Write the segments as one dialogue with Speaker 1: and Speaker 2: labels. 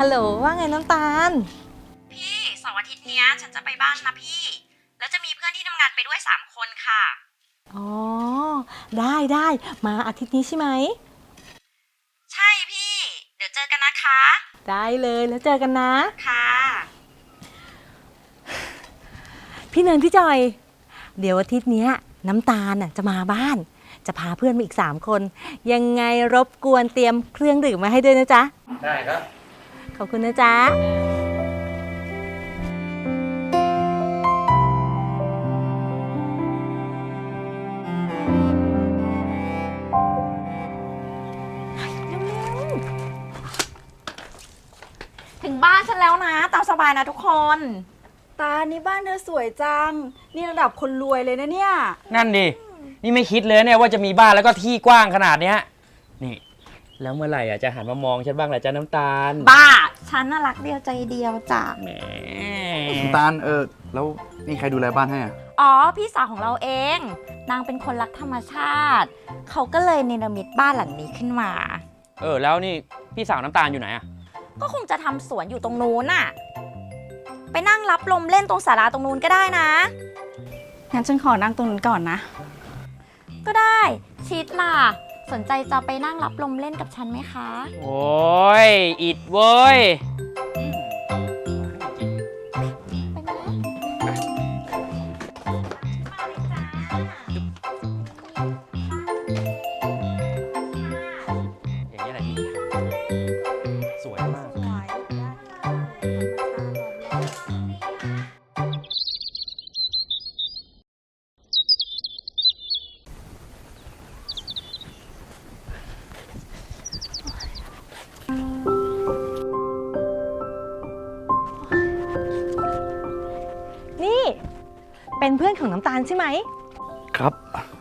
Speaker 1: ฮัลโหลว่าไงน้ำตาล
Speaker 2: พี่เสาร์อาทิตย์เนี้ยฉันจะไปบ้านนะพี่แล้วจะมีเพื่อนที่ทำงานไปด้วย3 คนค่ะ
Speaker 1: อ๋อได้มาอาทิตย์นี้ใช่ไหม
Speaker 2: ใช่พี่เดี๋ยวเจอกันนะคะ
Speaker 1: ได้เลยแล้วเจอกันนะ
Speaker 2: ค่ะ
Speaker 1: พี่เนินพี่จอยเดี๋ยวอาทิตย์นี้น้ำตาลจะมาบ้านจะพาเพื่อนมาอีก3 คนยังไงรบกวนเตรียมเครื่องดื่มมาให้ด้วยนะจ๊ะ
Speaker 3: ได้ครับ
Speaker 1: ขอบคุณนะจ๊ะ
Speaker 2: ถึงบ้านฉันแล้วนะตามสบายนะทุกคน
Speaker 4: ตานี่บ้านเธอสวยจังนี่ระดับคนรวยเลยนะเนี่ย
Speaker 3: นั่นดินี่ไม่คิดเลยเนี่ยว่าจะมีบ้านแล้วก็ที่กว้างขนาดเนี้ยนี่แล้วเมื่อไหร่จะหันมามองฉันบ้างล่ะจ๊ะน้ำตาล
Speaker 2: บ้าฉันน่ารักเดียวใจเดียวจ้ะ
Speaker 3: แหม
Speaker 5: น้ำตาลแล้วนี่ใครดูแลบ้านให้อ่ะ
Speaker 2: อ๋อพี่สาวของเราเองนางเป็นคนรักธรรมชาติเขาก็เลยเนรมิตบ้านหลังนี้ขึ้นมา
Speaker 3: แล้วนี่พี่สาวน้ำตาลอยู่ไหนอ่ะ
Speaker 2: ก็คงจะทำสวนอยู่ตรงนู้นน่ะไปนั่งรับลมเล่นตรงศาลาตรงนู้นก็ได้นะ
Speaker 4: งั้นฉันขอนั่งตรงนั้นก่อนนะ
Speaker 2: ก็ได้ชิดล่ะสนใจจะไปนั่งรับลมเล่นกับฉันไหมคะ
Speaker 3: โอ้ยอิดเว้ย
Speaker 2: ไปไหม
Speaker 3: อย่างนี้แหละดีสวยมาก
Speaker 1: นี่เป็นเพื่อนของน้ำตาลใช่ไหม
Speaker 5: ครับ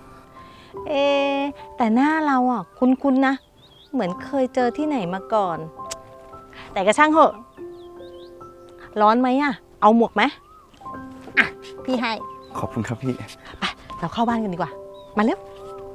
Speaker 1: แต่หน้าเราคุ้นๆนะเหมือนเคยเจอที่ไหนมาก่อนแต่ก็ช่างเหอะร้อนไหมเอาหมวกไหมพี่ให้
Speaker 5: ขอบคุณครับพี่
Speaker 1: ไปเราเข้าบ้านกันดีกว่ามาเร็ว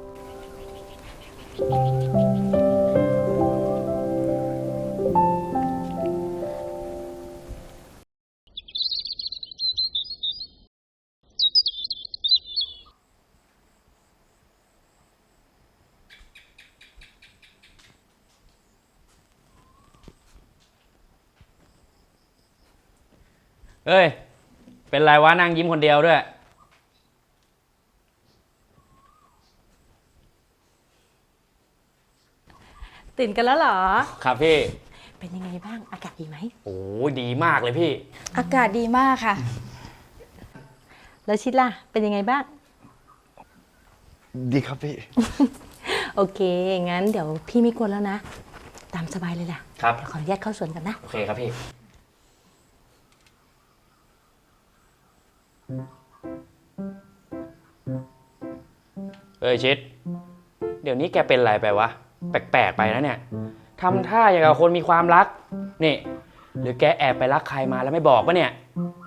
Speaker 3: เอ้ยเป็นไรวะนั่งยิ้มคนเดียวด้วย
Speaker 1: ตื่นกันแล้วเหรอ
Speaker 3: ครับพี่
Speaker 1: เป็นยังไงบ้างอากาศดีไหม
Speaker 3: โอ้ดีมากเลยพี่
Speaker 4: อากาศดีมากค่ะ
Speaker 1: แล้วชิดล่ะเป็นยังไงบ้าง
Speaker 5: ดีครับพี่
Speaker 1: โอเคงั้นเดี๋ยวพี่ไม่กวนแล้วนะตามสบายเลยล่ะ
Speaker 3: ครับ
Speaker 1: ขออนุญาตเข้าสวนกันนะ
Speaker 3: โอเคครับพี่ชิดเดี๋ยวนี้แกเป็นอะไรไปวะแปลกๆไปนะเนี่ยทำท่าอย่างกับคนมีความรักนี่หรือแกแอบไปรักใครมาแล้วไม่บอกปะเนี่ย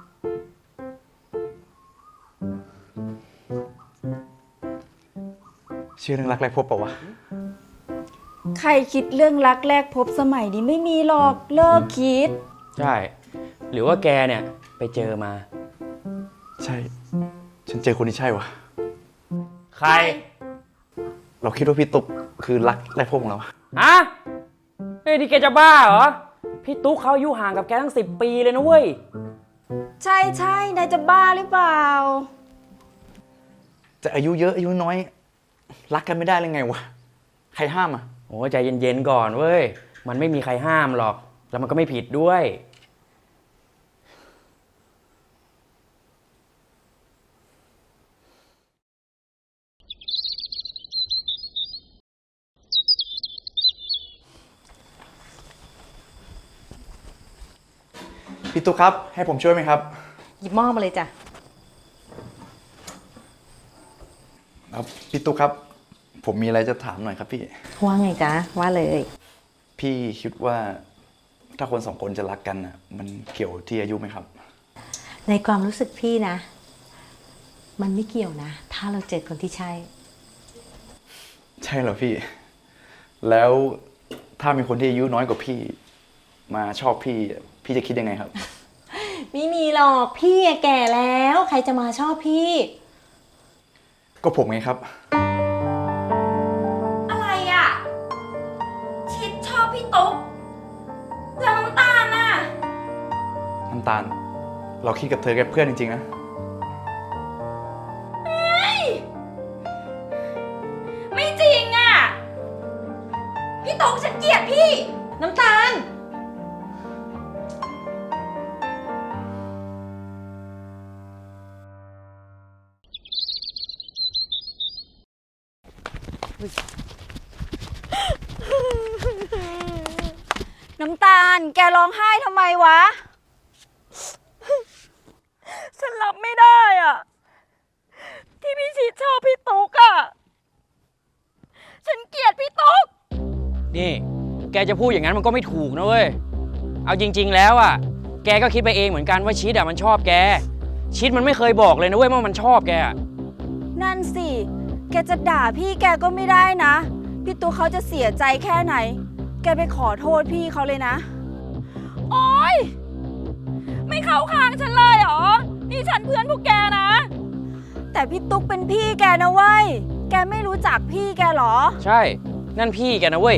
Speaker 5: เชื่อเรื่องรักแรกพบปะวะ
Speaker 4: ใครคิดเรื่องรักแรกพบสมัยนี้ไม่มีหรอกเลิกคิด
Speaker 3: ใช่หรือว่าแกเนี่ยไปเจอมา
Speaker 5: ใช่ฉันเจอคนที่ใช่วะ
Speaker 3: ใคร
Speaker 5: เราคิดว่าพี่ตุ๊กคือรักแรกพบของเรา
Speaker 3: ฮะเฮ้ยที่แกจะบ้าเหรอพี่ตุ๊กเขาอายุห่างกับแกตั้ง10 ปีเลยนะเว้ย
Speaker 4: ใช่นายจะบ้าหรือเปล่า
Speaker 5: จะอายุเยอะอายุน้อยรักกันไม่ได้เลยไงวะใครห้าม
Speaker 3: โอ้ใจเย็นๆก่อนเว้ยมันไม่มีใครห้ามหรอกแล้วมันก็ไม่ผิดด้วย
Speaker 5: พี่ตุ๊กครับให้ผมช่วยไหมครับ
Speaker 1: หยิบหม้อมาเลยจ้ะ
Speaker 5: พี่ตุ๊กครับผมมีอะไรจะถามหน่อยครับพี่
Speaker 1: ว่าไงจ๊ะว่าเลย
Speaker 5: พี่คิดว่าถ้าคน2 คนจะรักกันมันเกี่ยวที่อายุไหมครับ
Speaker 1: ในความรู้สึกพี่นะมันไม่เกี่ยวนะถ้าเราเจอคนที่ใช่
Speaker 5: ใช่เหรอพี่แล้วถ้ามีคนที่อายุน้อยกว่าพี่มาชอบพี่ พี่จะคิดยังไงครับ
Speaker 1: ไม่มีหรอกพี่อะแก่แล้วใครจะมาชอบพี่
Speaker 5: ก็ผมไงครับ
Speaker 2: อะไรอ่ะ ชิดชอบพี่ตุ๊กแล้วน้ำตาลน่ะ
Speaker 5: น้ำตาล เราคิดกับเธอแค่เพื่อนจริงๆนะ
Speaker 2: ไม่จริงอ่ะ พี่ตุ๊กฉันเกลียดพี่
Speaker 1: น้ำตาล
Speaker 4: น้ำตาล แกร้องไห้ทำไมวะ
Speaker 2: ฉันรับไม่ได้อ่ะ ที่พี่ชิดชอบพี่ตุ๊กอ่ะ ฉันเกลียดพี่ตุ๊ก
Speaker 3: นี่ แกจะพูดอย่างนั้นมันก็ไม่ถูกนะเว้ย เอาจริง ๆ แล้วอ่ะ แกก็คิดไปเองเหมือนกันว่าชิดอ่ะมันชอบแก ชิดมันไม่เคยบอกเลยนะเว้ยว่ามันชอบแกอะ
Speaker 4: นั่นสิ แกจะด่าพี่แกก็ไม่ได้นะ พี่ตุ๊กเขาจะเสียใจแค่ไหน แกไปขอโทษพี่เขาเลยนะ
Speaker 2: โอ๊ย ไม่เข้าข้างฉันเลยเหรอ นี่ฉันเพื่อนพวกแกนะ
Speaker 4: แต่พี่ตุ๊กเป็นพี่แกนะเว้ย แกไม่รู้จักพี่แกเหรอ
Speaker 3: ใช่ นั่นพี่แกนะเว้ย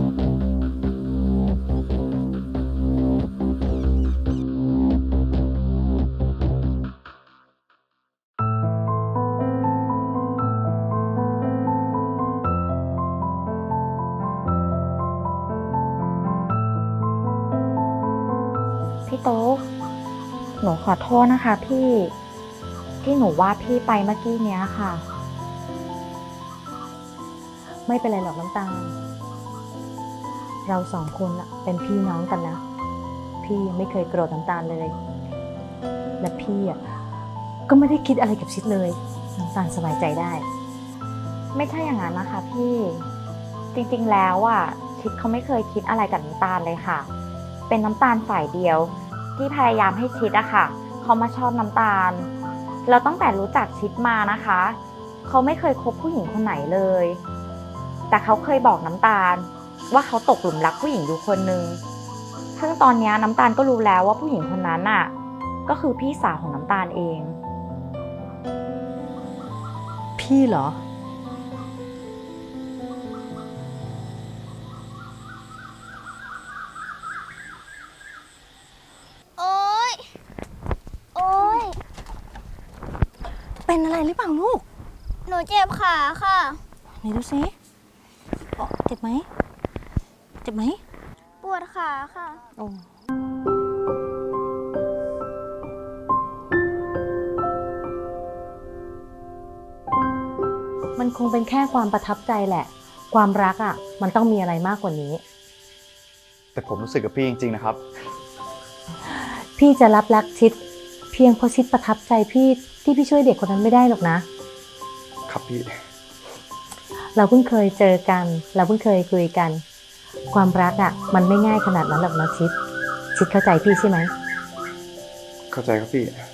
Speaker 2: พี่ตุ๊กหนูขอโทษนะคะพี่ที่หนูว่าพี่ไปเมื่อกี้เนี้ยค่ะ
Speaker 1: ไม่เป็นไรหรอกน้ำตาล เราสองคนน่ะเป็นพี่น้องกันนะ พี่ยังไม่เคยโกรธน้ำตาลเลย และพี่อ่ะก็ไม่ได้คิดอะไรกับชิดเลย น้ำตาลสบายใจได้
Speaker 2: ไม่ใช่อย่างนั้นนะคะพี่จริงๆแล้วอ่ะชิดเขาไม่เคยคิดอะไรกับน้ำตาลเลยค่ะ เป็นน้ำตาลฝ่ายเดียว ที่พยายามให้ชิดอะค่ะเขามาชอบน้ำตาลเราตั้งแต่รู้จักชิดมานะคะเขาไม่เคยคบผู้หญิงคนไหนเลย แต่เขาเคยบอกน้ำตาลว่าเขาตกหลุมรักผู้หญิงอยู่คนนึงซึ่งตอนนี้น้ำตาลก็รู้แล้วว่าผู้หญิงคนนั้นน่ะก็คือพี่สาวของน้ำตาลเอง
Speaker 1: พี่เหรอ
Speaker 6: โอ๊ย โอ๊ย
Speaker 1: เป็นอะไรหรือเปล่าลูก
Speaker 6: หนูเจ็บขาค่ะ
Speaker 1: ไหนดูสิอ๋อเจ็บไหม เจ็บไหม
Speaker 6: ปวดขาค่ะ
Speaker 1: โอ้มันคงเป็นแค่ความประทับใจแหละ ความรักอ่ะ มันต้องมีอะไรมากกว่านี้
Speaker 5: แต่ผมรู้สึกกับพี่จริงๆนะครับ
Speaker 1: พี่จะรับรักชิด เพียงเพราะชิดประทับใจพี่ที่พี่ช่วยเด็กคนนั้นไม่ได้หรอกนะ
Speaker 5: ครับพี่
Speaker 1: เราเพิ่งเคยเจอกัน เราเพิ่งเคยคุยกัน ความรักอ่ะ มันไม่ง่ายขนาดนั้นหรอกนะชิด ชิดเข้าใจพี่ใช่ไหม
Speaker 5: เข้าใจครับพี่